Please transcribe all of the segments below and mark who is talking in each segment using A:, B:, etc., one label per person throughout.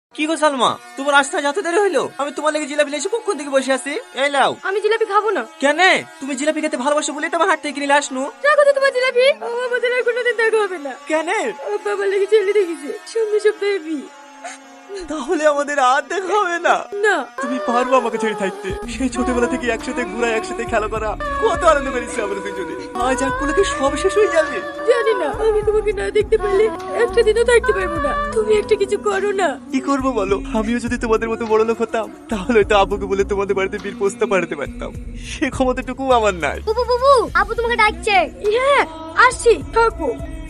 A: কি গো সালমা, তোমার রাস্তায় যেতে দেরি হইলো? আমি তোমার লেগে জিলাপি এসে কখন থেকে বসে আছি। এই লাও।
B: আমি জিলাপি খাবো না।
A: কেন? তুমি জিলাপি খেতে ভালোবাসো বলেই তোমার হাট থেকে কিনে আসনু।
B: রাখো তো তোমার জিলাপি, আমাদের আর কোনোদিন দেখা হবে না।
A: কেন?
B: বাবা লেগে চলে দেখেছে সামনে সপ্তাহে বিয়ে।
A: তাহলে আমাদের আর দেখা হবে না।
B: না,
A: তুমি পারবো আমাকে ছেড়ে থাকতে? সেই ছোটবেলা থেকে একসাথে ঘোরা, একসাথে খেলা করা, কত আনন্দ করেছি আমরা দুজনে। আজ এক পলকে সব শেষ হয়ে যাবে।
B: জানি না, আমি তোমাকে না দেখতে পেলে একটা দিনও থাকতে পারবো না। তুমি একটা কিছু করো না।
A: কি করবো বলো? আমিও যদি তোমাদের মতো বড় লোক হতাম তাহলে তো আব্বুকে বলে তোমাদের বাড়িতে বীর প্রস্তাব পাঠাতে পারতাম। সে ক্ষমতাটুকু আমার নাই।
B: বুবু বুবু, আপু তোমাকে ডাকছে। হ্যাঁ আসছি, থাকো।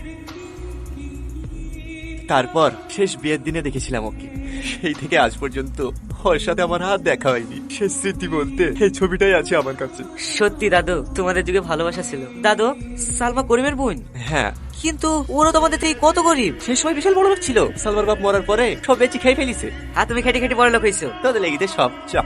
A: তারপর শেষ বিয়ের দিনে দেখেছিলাম ওকে। সেই থেকে আজ পর্যন্ত ওর সাথে আমার হাত দেখা হয়নি। সে স্মৃতি বলতে এই ছবিটাই আছে আমার কাছে।
C: সত্যি দাদু, তোমাদের যুগে ভালোবাসা ছিল। দাদু, সালমা করিমের বোন।
A: হ্যাঁ,
C: কিন্তু ওরা তোমাদের থেকে কত গরিব।
A: সেই সময় বিশাল বড় লোক ছিল। সালমার বাপ মরার পরে সব বেঁচে খেয়ে ফেলিছে।
C: আর তুমি খেটে খেটে বড় লোক হয়েছো।
A: তোদের লেগিতে সব চাপ।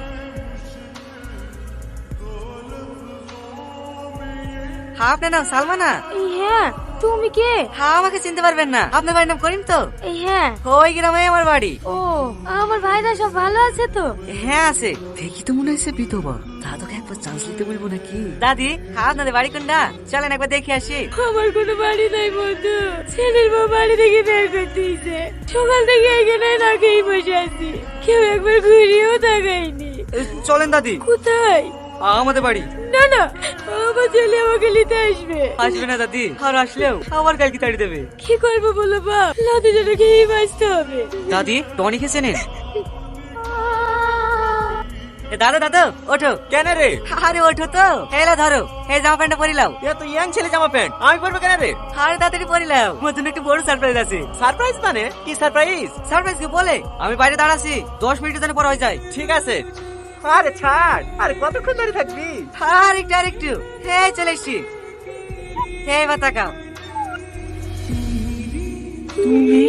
C: হ্যাঁ, আপনার নাম সালমা না?
B: হ্যাঁ, তুমি কে?
C: হ্যাঁ, আমাকে চিনতে পারবেন না। আপনার বাড়ির নাম করিম তো?
B: হ্যাঁ।
C: ওই গ্রামে আমার বাড়ি।
B: ও, আমার ভাইরা সব ভালো আছে তো?
C: হ্যাঁ আছে। দেখি তো মনে হচ্ছে বিধবা। দাদুকে একবার চান্স নিতে বলবো নাকি? দাদি, হ্যাঁ আপনাদের বাড়ি কোনটা? চলেন একবার দেখে আসি।
B: আমার কোনো বাড়ি নাই বন্ধু। ছেলের বউ বাড়ি থেকে বের করে দিয়েছে। সকাল থেকে এখানে না খেয়ে বসে আছি। কেউ একবার ঘুরিয়েও তাকায়নি।
C: চলেন দাদি।
B: কোথায়?
C: আমাদের বাড়ি।
B: না না, আমার ছেলে আমাকে নিতে আসবে।
C: আসবে না দাদি, আর আসলেও আবার কালকে তাড়ি দেবে।
B: কি করবো বলো বাপ, লাদু যেন খেয়েই বাঁচতে হবে।
C: দাদি, টনি খেয়েছে নেন। দাদা দাদা, ওঠো।
A: কেন রে?
C: আরে ওঠো তো। এলা ধরো, এই জামা প্যান্টটা পরিলাও।
A: এ তো ইয়াং ছেলে জামা প্যান্ট, আমি পরবো কেন রে?
C: আরে তাড়াতাড়ি পরিলাও, আমার জন্য একটু বড় সারপ্রাইজ আছে।
A: সারপ্রাইজ মানে কি সারপ্রাইজ?
C: সারপ্রাইজ কি বলে? আমি বাইরে দাঁড়াচ্ছি, 10 মিনিটের জন্য পরে হয়ে যায়।
A: ঠিক আছে। আরে ছাড়, আরে কতক্ষণ ধরে থাকবি?
C: আরেকটু এই চলে এসছি। এই বা তাকাও।
A: তুমি